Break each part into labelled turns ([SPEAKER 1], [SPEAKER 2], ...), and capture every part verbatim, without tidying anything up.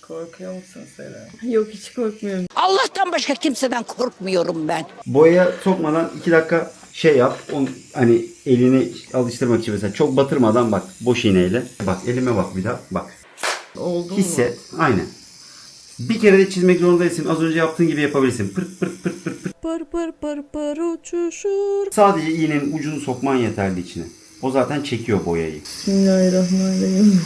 [SPEAKER 1] Korkuyor musun Seren?
[SPEAKER 2] Yok, hiç korkmuyorum.
[SPEAKER 3] Allah'tan başka kimseden korkmuyorum ben.
[SPEAKER 4] Boyaya sokmadan iki dakika şey yap. On, hani elini alıştırmak için mesela çok batırmadan bak boş iğneyle. Bak elime bak bir daha bak.
[SPEAKER 1] Oldu mu?
[SPEAKER 4] Hisset. Aynen. Bir kere de çizmek zorunda değilsin. Az önce yaptığın gibi yapabilirsin. Pırt pırt pırt pırt pırt.
[SPEAKER 2] Pır pır pır pır uçuşur.
[SPEAKER 4] Sadece iğnenin ucunu sokman yeterli içine. O zaten çekiyor boyayı.
[SPEAKER 2] Bismillahirrahmanirrahim.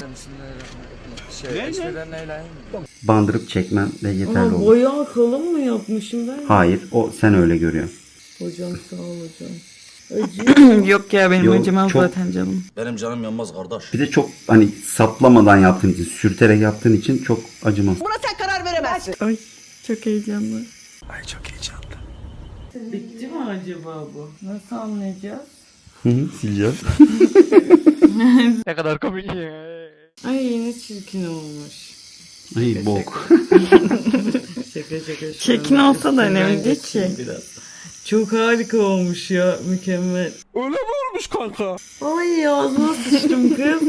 [SPEAKER 4] Bandırıp çekmen de yeterli
[SPEAKER 2] Ama
[SPEAKER 4] olur.
[SPEAKER 2] boya kalın mı yapmışım ben?
[SPEAKER 4] Hayır, o sen öyle görüyorsun.
[SPEAKER 2] Hocam sağ ol hocam. Acıyor.
[SPEAKER 1] Yok ya benim
[SPEAKER 4] Yok,
[SPEAKER 1] acımaz
[SPEAKER 4] çok-
[SPEAKER 1] zaten canım.
[SPEAKER 5] Benim canım yanmaz kardeş.
[SPEAKER 4] Bir de çok hani saplamadan yaptığın için, sürterek yaptığın için çok acımaz.
[SPEAKER 1] Ay çok heyecanlı.
[SPEAKER 2] Bitti mi acaba bu? Nasıl anlayacağız?
[SPEAKER 4] Hı hı, sileceğim.
[SPEAKER 6] Ne kadar komik.
[SPEAKER 2] Ay yine çirkin olmuş.
[SPEAKER 4] Ay bok.
[SPEAKER 2] Şaka şaka. şu
[SPEAKER 1] Çirkin
[SPEAKER 2] anda
[SPEAKER 1] olsa da önemli
[SPEAKER 2] üstünden
[SPEAKER 1] değil
[SPEAKER 2] geçeyim
[SPEAKER 1] ki.
[SPEAKER 2] Biraz. Çok harika olmuş ya. Mükemmel.
[SPEAKER 6] Öyle mi olmuş kanka?
[SPEAKER 2] Ay ağzıma sıçtım kız.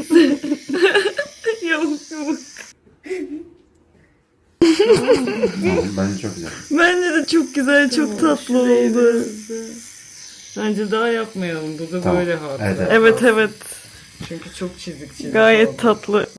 [SPEAKER 2] Yok yok.
[SPEAKER 4] Tamam, bence çok güzel.
[SPEAKER 1] Bence de çok güzel, çok tatlı
[SPEAKER 2] Şurayı
[SPEAKER 1] oldu.
[SPEAKER 2] biraz da- Bence daha yapmayalım. Bu da
[SPEAKER 4] Tamam.
[SPEAKER 2] böyle hatıra.
[SPEAKER 4] Evet, evet.
[SPEAKER 1] Evet evet.
[SPEAKER 2] Çünkü çok çizik çizik
[SPEAKER 1] Gayet
[SPEAKER 2] oldu.
[SPEAKER 1] tatlı.